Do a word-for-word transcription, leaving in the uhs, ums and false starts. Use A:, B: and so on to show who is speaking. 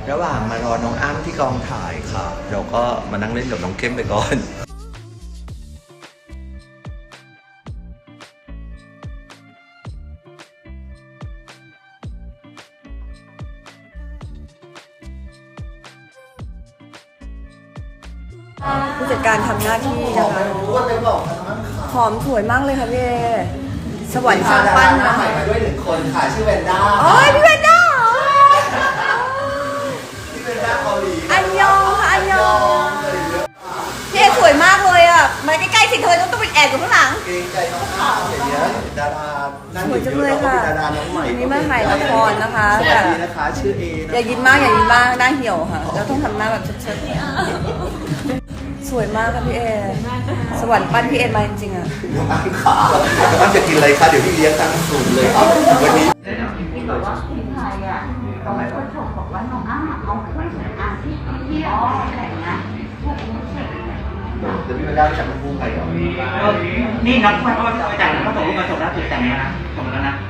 A: ระหว่างมารอน้องอ้ำที่กองถ่ายค่ะเราก็มานั่งเล่นกับน้องเข้มไปก่อน
B: ผู้จัดการทำหน้าที่นะคะหอมสวยมากเลยค่ะพี่เอสวรรค์ช่างปั้นนะ
A: ใหม่มาด้วยหนึ่งคนค่ะชื่อแวนด้า
B: โอ้ยพี่เวนด้า
A: พี่แวนด้าเกาหลี
B: อันยองค่ะอันยองพี่เอสวยมากเลยอ่ะมาใกล้ๆสิเธอต้องต้องไปแอบอยู่ข้างหลัง
A: เกรงใจน้องอ้ำอย่างเงี้ยดารานั่ง
B: ส
A: อ
B: วย
A: ยู่
B: จัง
A: เย
B: เลย
A: อะแล้วก็
B: ค่ะ
A: เป็นดาราน้องใหม่
B: วันนี้มาถ่ายละครนะคะ
A: สวัสดีนะคะชื่อเอนะ
B: อย่ายิ้มมากอย่ายิ้มมากหน้าเหี่ยวค่ะแล้วต้องทำหน้าแบบเชิดๆสวยมากค่ะพี่เอสวรรค์ปั้นพี่เอมาจริงๆอ่ะ
A: น้องอ้ำขาน้องอ้ำจะกินอะไรคะเดี๋ยวพี่เลี้ยงตั้งสูตรเลยครับวันนี้
C: ที่แบบว่าที่ไทยอ่ะเขาไม่คนชมบอกว่าน้องอ้ำเอาเครื่องสำอางที่เที่ยวอะไรอย่างเงี้ยพวกนี้เสร็จ
A: เดี๋ยวพี่แวนด้าไปจับน้องภูมิไปเหรอ
D: นี่นับค่อยๆไปจ่ายแล้วก็ส่งรูปมาส่งล่าสุดแต่งแล้วนะส่งแล้วนะ